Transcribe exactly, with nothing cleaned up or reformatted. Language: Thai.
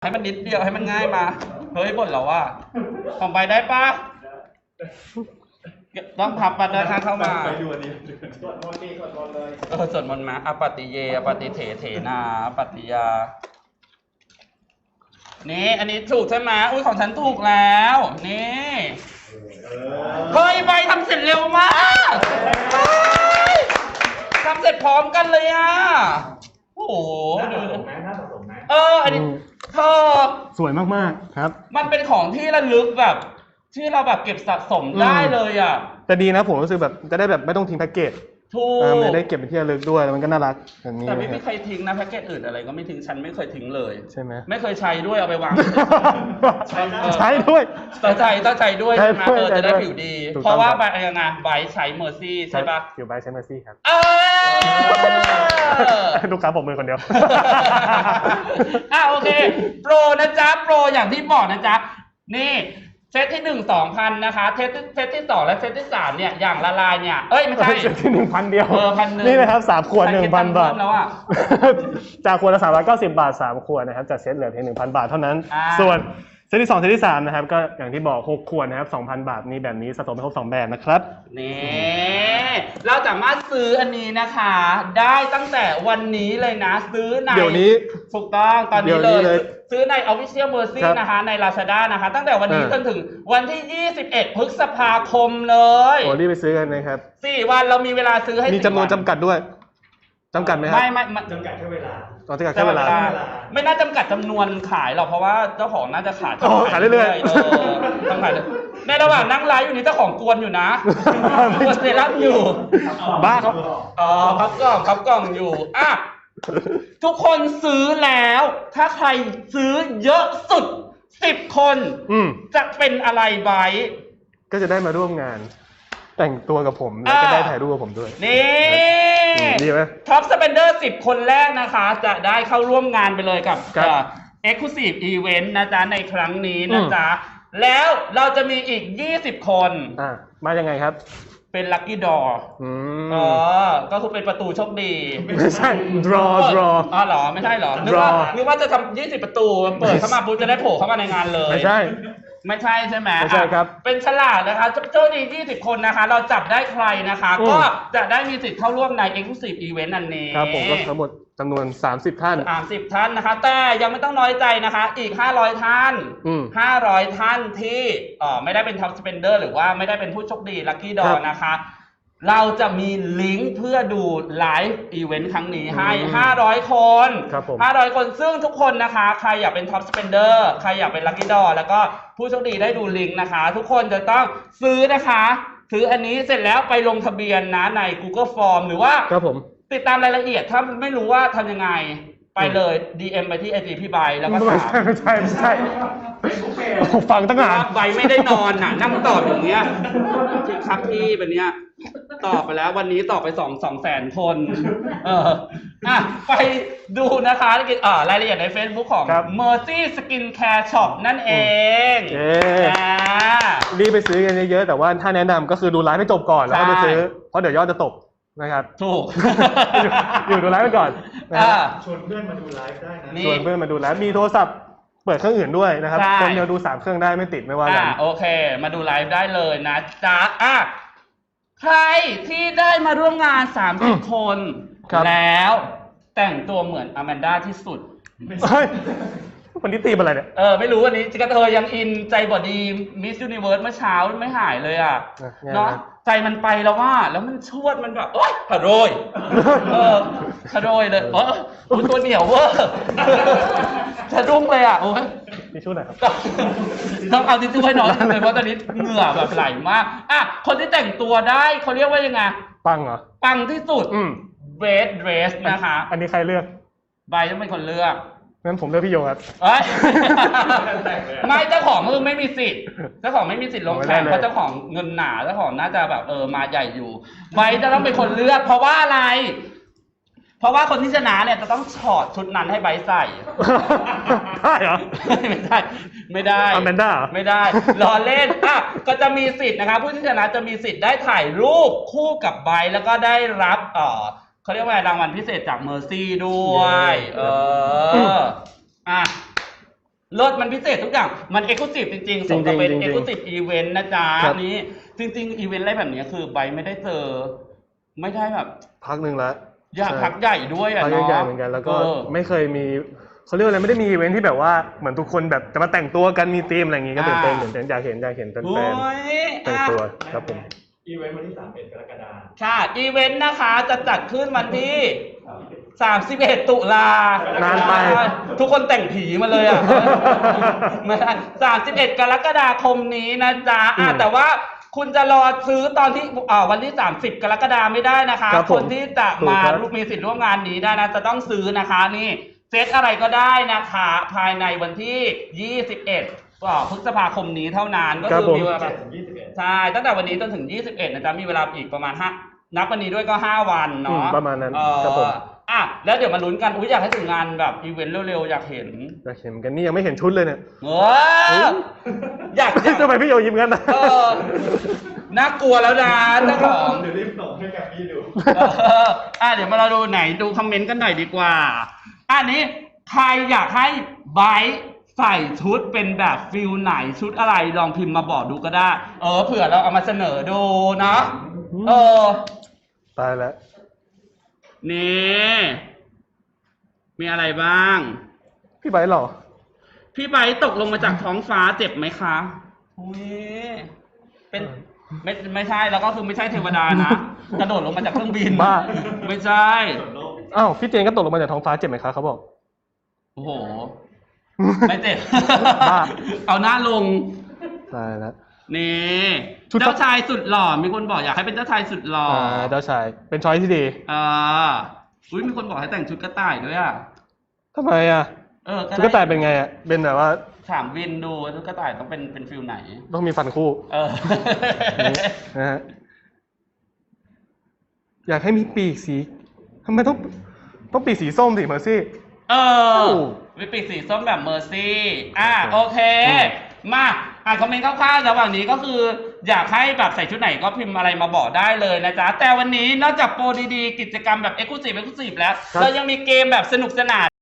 ให้มันนิดเดียวให้มันง่ายมาเฮ้ยบ่นเราว่าของไปได้ปะต้องพับปัดเดินทางเข้ามาไปดูอันนี้สวดมนต์ดีสวดมนต์เลยเออสวดมนต์มาอปฏิเยอปฏิเถเถนาอปฏิยานี่อันนี้ถูกใช่ไหมอุ้ยของฉันถูกแล้วนี่เฮ้ยใบทำเสร็จเร็วมากทำเสร็จพร้อมกันเลยอ่ะโอ้โหดูน่าสะสมไหมเอออันนี้เธอสวยมากๆครับมันเป็นของที่ระลึกแบบที่เราแบบเก็บสะสมได้เลยอ่ะแต่ดีนะผมรู้สึกแบบจะได้แบบไม่ต้องทิ้งแพ็กเกจถูกไม่ได้เก็บเป็นที่ระลึกด้วยแล้วมันก็น่ารักแบบนี้แต่ไม่เคยทิ้งนะแพ็กเกจอื่นอะไรก็ไม่ทิ้งฉันไม่เคยทิ้งเลยใช่ไหมไม่เคยใช้ด้วยเอาไปวางใช้ด้วยต้องใช้ต้องใช้ด้วยใช่ไหมเออจะได้ผิวดีเพราะว่าใบยังไงใบใช้เมอร์ซี่ใช่ปะผิวใบใช้เมอร์ซี่ครับลูกค้าผมมือคนเดียวอ่ะโอเคโปรนะจ๊ะโปรอย่างที่บอกนะจ๊ะนี่เซตที่หนึ่งสองพันนะคะเซตเซตที่สองและเซตที่สามเนี่ยอย่างละลายเนี่ยเอ้ยไม่ใช่เซตที่หนึ่งพันเดียวเออพันหนึ่งนี่นะครับสามขวดหนึ่งพันบาทแล้วอ่ะจากขวดละสามร้อยเก้าสิบบาทสามขวดนะครับจากเซตเหลือเพียงหนึ่งพันบาทเท่านั้นส่วนเซตที่สองเซตที่สามนะครับก็อย่างที่บอกหกขวดนะครับสองพันบาทมีแบบนี้สะสมไปครบสองแบบนะครับนี่เราสามารถซื้ออันนี้นะคะได้ตั้งแต่วันนี้เลยนะซื้อในเดี๋ยวนี้ถูกต้องตอนนี้เลยซื้อใน Official Mercy นะคะใน Lazada นะคะตั้งแต่วันนี้จนถึงวันที่ยี่สิบเอ็ดพฤษภาคมเลยโอ้รีบไปซื้อกันนะครับสี่วันเรามีเวลาซื้อให้มีจำนวนจำกัดด้วยจำกัดไหมครับไม่ไม่จำกัดแค่เวลาจำกัดแค่เวลาไม่น่าจำกัดจำนวนขายหรอกเพราะว่าเจ้าของน่าจะขายขายเรื่อยๆต้องขายในระหว่างนั่งไลฟ์อยู่นี้เจ้าของกวนอยู่นะกวนเซรั่มอยู่บ้าครับอ๋อพับกล่องพับกล่องอยู่อ่ะทุกคนซื้อแล้วถ้าใครซื้อเยอะสุดสิบคนจะเป็นอะไรไว้ก็จะได้มาร่วมงานแต่งตัวกับผมแล้วก็ได้ถ่ายรูปกับผมด้วยนี่ดีไหมท็อปสเปนเดอร์สิบคนแรกนะคะจะได้เข้าร่วมงานไปเลยกับ Exclusive Event นะจ๊ะในครั้งนี้นะจ๊ะแล้วเราจะมีอีกยี่สิบคนอ่ะมายังไงครับเป็นลัคกี้ดอร์อ๋อก็คือเป็นประตูโชคดีไม่ใช่ draw draw อ๋อเหรอไม่ใช่เหรอนึกว่านึกว่าจะทำยี่สิบประตูเปิดเข้ามาปุ๊บจะได้โผล่เข้ามาในงานเลยไม่ใช่ไม่ใช่ใช่ไหมไม่ใช่ครับเป็นฉลากนะคะโชคดียี่สิบคนนะคะเราจับได้ใครนะคะก็จะได้มีสิทธิ์เข้าร่วมใน Exclusive Event อันนี้ครับผมก็ทั้งหมดจำนวนสามสิบท่านสามสิบท่านนะคะแต่ยังไม่ต้องน้อยใจนะคะอีกห้าร้อยท่านห้าร้อยท่านที่เอ่อไม่ได้เป็น Top Spender หรือว่าไม่ได้เป็นผู้โชคดี Lucky Draw นะคะเราจะมีลิงก์เพื่อดูไลฟ์อีเวนต์ครั้งนี้ให้ห้าร้อยคนห้าร้อยคนซึ่งทุกคนนะคะใครอยากเป็น Top Spender ใครอยากเป็น Lucky Draw แล้วก็ผู้โชคดีได้ดูลิงก์นะคะทุกคนจะต้องซื้อนะคะซื้ออันนี้เสร็จแล้วไปลงทะเบียนนะใน Google Form หรือว่าครับผมติดตามรายละเอียดถ้าไม่รู้ว่าทำยังไงไปเลย ดี เอ็ม ไปที่ ไอ จี พี่ใบแล้วก็ถามไม่ใช่ไม่ใช่ไม่ใช่ฟังตั้งนานใบไม่ได้นอนน่ะนั่งตอบอย่างเงี้ยที่ครับพี่เป็นเนี้ยตอบไปแล้ววันนี้ตอบไปสองสองแสนคนเอออ่ะไปดูนะคะอ่ารายละเอียดใน Facebook ของ Mercy Skin Care Shop นั่นเองอ่ารีบไปซื้อกันเยอะๆแต่ว่าถ้าแนะนำก็คือดูไลฟ์ให้จบก่อนแล้วก็ไปซื้อเพราะเดี๋ยวยอดจะตกนะครับถูกอยู่ดูไลฟ์ไปก่อนชวนเพื่อนมาดูไลฟ์ได้นะชวนเพื่อนมาดูไลฟ์มีโทรศัพท์เปิดเครื่องอื่นด้วยนะครับคนเดียวดูสามเครื่องได้ไม่ติดไม่ว่ากันโอเคมาดูไลฟ์ได้เลยนะจ๊ะอ่ะใครที่ได้มาร่วมงานสามสิบคนแล้วแต่งตัวเหมือนอแมนด้าที่สุดวันนี้ตีมอะไรเนี่ยเออไม่รู้วันนี้จิกเธอยังอินใจบอดีมิสยูนิเวิร์สเมื่อเช้าไม่หายเลยอ่ะเนาะใจมันไปแล้วว่าแล้วมันชวดมันแบบโอ๊ยขะโรยเออขะโรยเลยเออตัวเหนียวเวอร์สะดุ้งเลยอ่ะโอ้ยทิชชู่หน่อยครับต้องเอาทิชชู่ให้น้องเลยเพราะตอนนี้เหงื่อแบบไหลมากอ่ะคนที่แต่งตัวได้เขาเรียกว่ายังไงปังเหรอปังที่สุดเรดเดรสนะคะอันนี้ใครเลือกใบต้องเป็นคนเลือกงั้นผมเลือกพี่โยครับไม่เจ้าของคือไม่มีสิทธิ์เจ้าของไม่มีสิทธิ์ลงแข่งเพราะเจ้าของเงินหนาเจ้าของน่าจะแบบเออมาใหญ่อยู่ใบจะต้องเป็นคนเลือกเพราะว่าอะไรเพราะว่าคนที่ชนะเนี่ยจะต้องถอดชุดนั้นให้ใบใส่ได้เหรอไม่ได้ไม่ได้อแมนด้าไม่ได้ล้อเล่นอ่ะก็จะมีสิทธิ์นะคะผู้ที่ชนะจะมีสิทธิ์ได้ถ่ายรูปคู่กับใบแล้วก็ได้รับเอ่อเขาเรียกว่ารางวัลพิเศษจาก Mercy ด้วยเอออ่ะเลิศมันพิเศษทุกอย่างมันเอ็กซ์คลูซีฟจริงๆสมกับเป็นเอ็กซ์คลูซีฟอีเวนต์นะจ๊ะนี้จริงๆอีเวนต์อะไรแบบนี้คือใบไม่ได้เจอไม่ได้แบบพักหนึ่งแล้วอยากพักใหญ่ด้วยอ่ะเนาะพักใหญ่เหมือนกันแล้วก็ไม่เคยมีเขาเรียกอะไรไม่ได้มีอีเวนท์ที่แบบว่าเหมือนทุกคนแบบจะมาแต่งตัวกันมีธีมอะไรอย่างงี้ก็ตื่นเต้นตื่นเต้นอยากเห็นอยากเห็นแฟนๆแต่งตัวครับผมอีเวนต์วันที่สามสิบเอ็ดกรกฎาคมค่ะอีเวนต์นะคะจะจัดขึ้นวันที่สามสิบเอ็ดตุลานานไปทุกคนแต่งผีมาเลยอ่ะไม่ใช่สามสิบเอ็ดกรกฎาคมนี้นะจ๊ะอ่ะแต่ว่าคุณจะรอซื้อตอนที่อ่าวันที่สามสิบกรกฎาคมไม่ได้นะคะคนที่จะมามีสิทธิ์ร่วมงานนี้ได้นะจะต้องซื้อนะคะนี่เซตอะไรก็ได้นะคะภายในวันที่ยี่สิบเอ็ดพฤษภาคมนี้เท่านั้นก็คือมีเวลาใช่ตั้งแต่วันนี้จนถึงยี่สิบเอ็ดนะจ๊ะมีเวลาอีกประมาณห้านับวันนี้ด้วยก็ห้าวันเนาะประมาณนั้นครับผมอ่ะแล้วเดี๋ยวมาลุ้นกันอุ้ยอยากให้ถึงงานแบบอีเวนต์เร็วๆอยากเห็นอยากเห็นกันนี่ยังไม่เห็นชุดเลยเนี่ยเอออยากทำไมพี่โยยิ้มกันนะเออน่ากลัวแล้วนะเจ้าของเดี๋ยวรีบส่งให้กับพี่ดูอ่ะเดี๋ยวมาเราดูไหนดูคอมเมนต์กันหน่อยดีกว่าอันนี้ใครอยากให้ไบร์ทใส่ชุดเป็นแบบฟิลไหนชุดอะไรลองพิมพ์มาบอกดูก็ได้เออเผื่อเราเอามาเสนอดูเนาะเออตายแล้วนี่มีอะไรบ้างพี่ไบร์ทหรอพี่ไบร์ทตกลงมาจากท้องฟ้าเจ็บไหมคะอุ้ยเป็นไม่ไม่ใช่แล้วก็คือไม่ใช่เทวดานะกระโดดลงมาจากเครื่องบินบ้าไม่ใช่อ้าวพี่เจนก็ตกลงมาจากท้องฟ้าเจ็บไหมคะเขาบอกโอ้โหไม่เจ็บเอาหน้าลงตายแล้วนี่เจ้าชายสุดหล่อมีคนบอกอยากให้เป็นเจ้าชายสุดหล่อเจ้าชายเป็นช้อยที่ดีอ่าอุ้ยมีคนบอกให้แต่งชุดกระต่ายด้วยอ่ะทำไมอ่ะเออชุดกระต่ายเป็นไงอ่ะเป็นแบบว่าถามวินดูชุดกระต่ายต้องเป็นเป็นฟิลไหนต้องมีฟันคู่เออนะฮะอยากให้มีปีกสีทำไมต้องต้องปีกสีส้มสิเมอร์ซี่เออมีปีกสีส้มแบบเมอร์ซี่อ่ะโอเคมาอ่านคอมเมนต์คร่าวๆระหว่างนี้ก็คืออยากให้แบบใส่ชุดไหนก็พิมพ์อะไรมาบอกได้เลยนะจ๊ะแต่วันนี้นอกจากโปรดีๆกิจกรรมแบบ Exclusive Exclusive แล้วเรายังมีเกมแบบสนุกสนาน